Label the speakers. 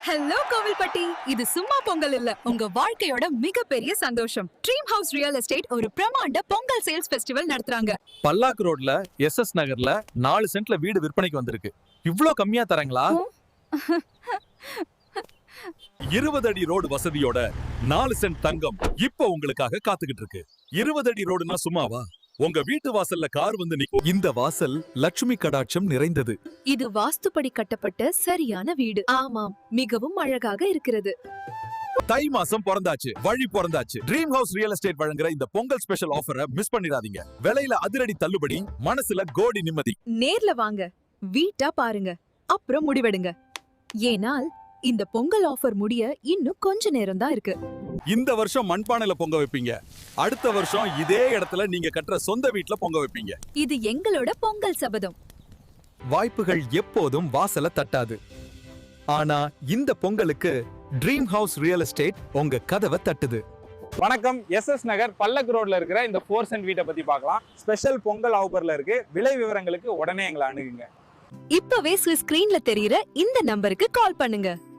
Speaker 1: Hello Kovilpatti, இது சும்மா பொங்கல் இல்ல, உங்க வாழ்க்கையோட மிகப்பெரிய சந்தோஷம். ட்ரீம் ஹவுஸ் ரியல் எஸ்டேட் ஒரு பிரமாண்ட பொங்கல் சேல்ஸ் ஃபெஸ்டிவல் நடத்துறாங்க.
Speaker 2: பல்லாக்கு ரோட்ல எஸ்எஸ் நகர்ல 4 சென்ட்ல வீடு விற்பனைக்கு வந்திருக்கு. இவ்ளோ கம்மியா தரங்களா? 20 அடி ரோடு வசதியோட 4 சென்ட் தங்கம் இப்போ உங்களுக்காக காத்துக்கிட்டு இருக்கு. 20 அடி ரோடுனா சும்மாவா? உங்க வீட்டு வாசல்ல கார் வந்து நிக்கும். இந்த வாசல் லட்சுமி கடாட்சம் நிறைந்தது.
Speaker 1: இது வாஸ்துப்படி கட்டப்பட்ட சரியான வீடு. ஆமாம், மிகவும் அழகாக இருக்கிறது.
Speaker 2: தை மாசம் பிறந்தாச்சு, வழி பிறந்தாச்சு. ட்ரீம் ஹவுஸ் ரியல் எஸ்டேட் வழங்குற இந்த பொங்கல் ஸ்பெஷல் ஆஃபரை மிஸ் பண்ணிடாதீங்க. விலையில அதிரடி தள்ளுபடி, மனசுல கோடி நிம்மதி.
Speaker 1: நேர்ல வாங்க, வீட்டா பாருங்க, அப்புறம் முடிவெடுங்க. ஏனால் இந்த பொங்கல் ஆஃபர் முடிய இன்னும் கொஞ்ச நேரம் தான் இருக்கு.
Speaker 2: இந்த வருஷம் மண்பானையில பொங்க வைப்பீங்க, அடுத்த வருஷம் இதே இடத்துல நீங்க கட்டுற சொந்த வீட்ல பொங்க வைப்பீங்க.
Speaker 1: இது எங்களோட பொங்கல் சபதம்.
Speaker 2: வாய்ப்புகள் எப்போதும் வாசல தட்டாது. ஆனா இந்த பொங்கலுக்கு ட்ரீம் ஹவுஸ் ரியல் எஸ்டேட் உங்க கதவை தட்டுது.
Speaker 3: வணக்கம். எஸ்எஸ் நகர் பல்லக் ரோட்ல இருக்கிற இந்த 4 சென்ட் வீட்டை பத்தி பார்க்கலாம். ஸ்பெஷல் பொங்கல் ஆஃபர்ல இருக்கு. விலை விவரங்களுக்கு உடனே எங்களை அணுகுங்க.
Speaker 1: இப்பவே ஸ்கிரீன்ல தெரியுற இந்த நம்பருக்கு கால் பண்ணுங்க.